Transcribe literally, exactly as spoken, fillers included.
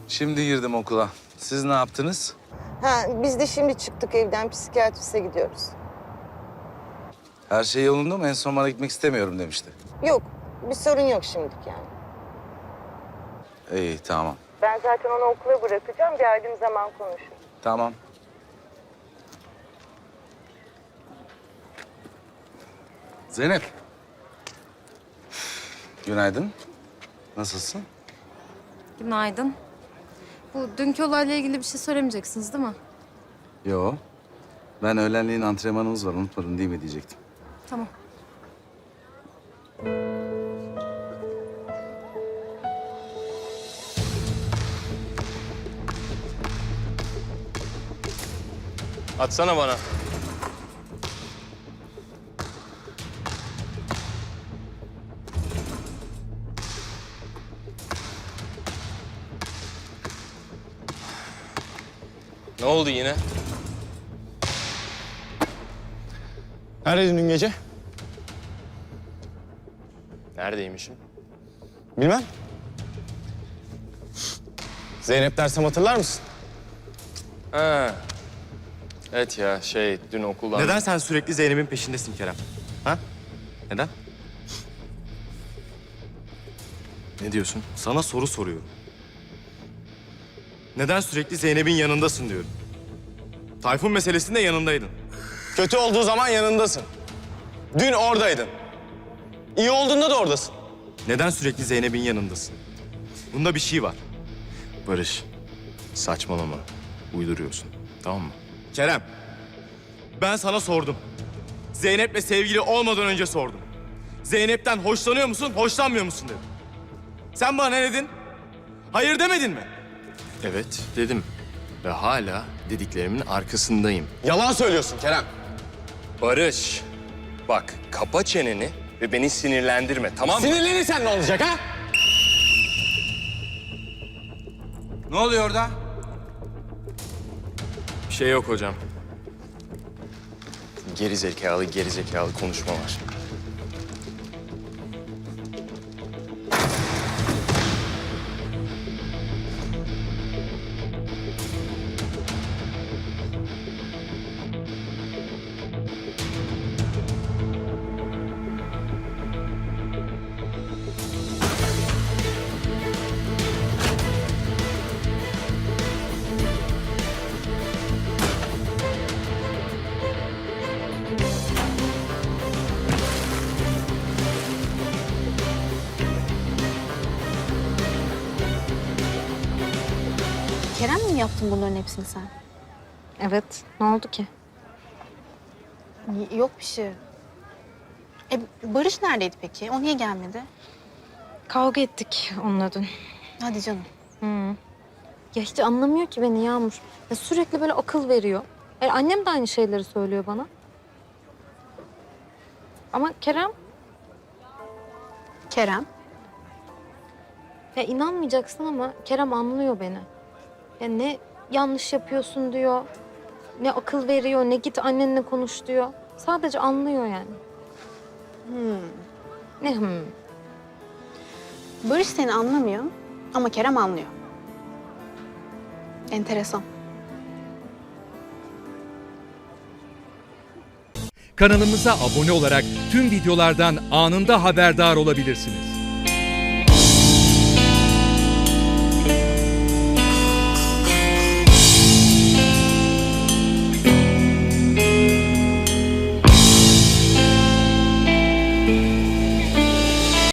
Şimdi girdim okula. Siz ne yaptınız? Ha, biz de şimdi çıktık evden, psikiyatriste gidiyoruz. Her şey yolunda mı? En son bana gitmek istemiyorum demişti. Yok, bir sorun yok şimdilik yani. İyi, tamam. Ben zaten onu okula bırakacağım, geldiğim zaman konuşuruz. Tamam. Zeynep. Günaydın. Nasılsın? Günaydın. Bu dünkü olayla ilgili bir şey söylemeyeceksiniz değil mi? Yo. Ben öğlenleyin antrenmanımız var. Unutmadın değil mi diyecektim. Tamam. Atsana bana. Ne oldu yine? Neredeydin dün gece? Neredeymişim? Bilmem. Zeynep dersem hatırlar mısın? Ha. Evet ya şey dün okuldan... Neden sen sürekli Zeynep'in peşindesin Kerem? Ha? Neden? Ne diyorsun? Sana soru soruyorum. Neden sürekli Zeynep'in yanındasın diyorum. Tayfun meselesinde yanındaydın. Kötü olduğu zaman yanındasın. Dün oradaydın. İyi olduğunda da oradasın. Neden sürekli Zeynep'in yanındasın? Bunda bir şey var. Barış, saçmalama. Uyduruyorsun. Tamam mı? Kerem, ben sana sordum. Zeynep'le sevgili olmadan önce sordum. Zeynep'ten hoşlanıyor musun, hoşlanmıyor musun dedim. Sen bana ne dedin? Hayır demedin mi? Evet dedim. Ve hala dediklerimin arkasındayım. Yalan söylüyorsun Kerem. Barış, bak kapa çeneni ve beni sinirlendirme tamam mı? Sinirlenirsen ne olacak ha? Ne oluyor orada? Bir şey yok hocam. Geri zekalı, geri zekalı konuşma var. Kerem mi yaptın bunların hepsini sen? Evet. Ne oldu ki? Y- Yok bir şey. E, Barış neredeydi peki? O niye gelmedi? Kavga ettik onunla dün. Hadi canım. Ya hiç anlamıyor ki beni Yağmur. Ya sürekli böyle akıl veriyor. E, annem de aynı şeyleri söylüyor bana. Ama Kerem, Kerem. ya inanmayacaksın ama Kerem anlıyor beni. Ya ne yanlış yapıyorsun diyor, ne akıl veriyor, ne git annenle konuş diyor. Sadece anlıyor yani. Ne hmm. Barış seni anlamıyor ama Kerem anlıyor. Enteresan. Kanalımıza abone olarak tüm videolardan anında haberdar olabilirsiniz.